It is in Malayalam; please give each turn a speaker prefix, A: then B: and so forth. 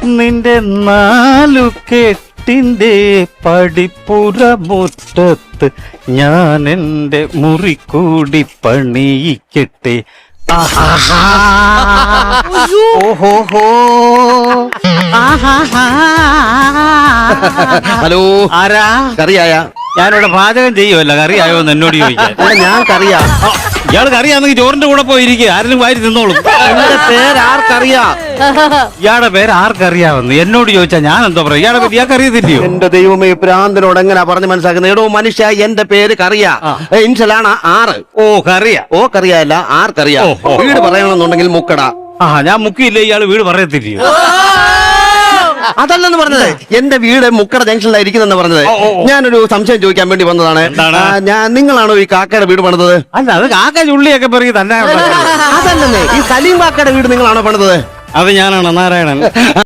A: നിന്റെ 4 കെട്ടിന്റെ പടിപ്പുറ മുറ്റത്ത് ഞാൻ എന്റെ മുറി കൂടി പണിയിക്കട്ടെ. ഓഹോഹോ.
B: ഹലോ,
A: ആരാ?
B: കറിയായ?
A: ഞാനിവിടെ പാചകം ചെയ്യുമല്ല, കറിയായോ എന്ന് എന്നോട് ചോദിക്കാൻ.
B: ഞാൻ കറിയാ.
A: ഇയാൾ കറിയാണെങ്കിൽ ചോറിന്റെ കൂടെ പോയിരിക്കുക, ആരെങ്കിലും വാരി തിന്നോളും.
B: എന്റെ പേര് ആർക്കറിയാ?
A: ഇയാളുടെ പേര് ആർക്കറിയാമെന്ന് എന്നോട് ചോദിച്ചാ ഞാൻ എന്തോ പറയാം? ഇയാളെ പറ്റി ഇയാൾക്ക് അറിയത്തില്ലയോ?
B: എന്റെ ദൈവമേ, പ്രാന്തനോട് എങ്ങനെയാ പറഞ്ഞ് മനസ്സിലാക്കുന്നത്? എടോ മനുഷ്യ, എന്റെ പേര് കറിയാ. ഇൻഷലാണ് 6.
A: ഓ, കറിയാ.
B: ഓ കറിയല്ല, ആർക്കറിയാ. വീട് പറയണമെന്നുണ്ടെങ്കിൽ മുക്കട.
A: ഞാൻ മുക്കിയില്ലേ, ഇയാള് വീട് പറയത്തില്ലയോ?
B: അതല്ലെന്ന് പറഞ്ഞത്, എന്റെ വീട് മുക്കട ജംഗ്ഷനിലായിരിക്കുന്നെന്ന് പറഞ്ഞത്. ഞാനൊരു സംശയം ചോദിക്കാൻ വേണ്ടി വന്നതാണ്. നിങ്ങളാണോ ഈ കാക്കയുടെ വീട് പണിതത്?
A: അല്ല, അത് കാക്ക ചുള്ളിയൊക്കെ പറയും തന്നെ.
B: അതല്ലെന്നേ, ഈ സലീം കാക്കയുടെ വീട് നിങ്ങളാണോ പണിതത്?
A: അത് ഞാനാണ്, നാരായണൻ.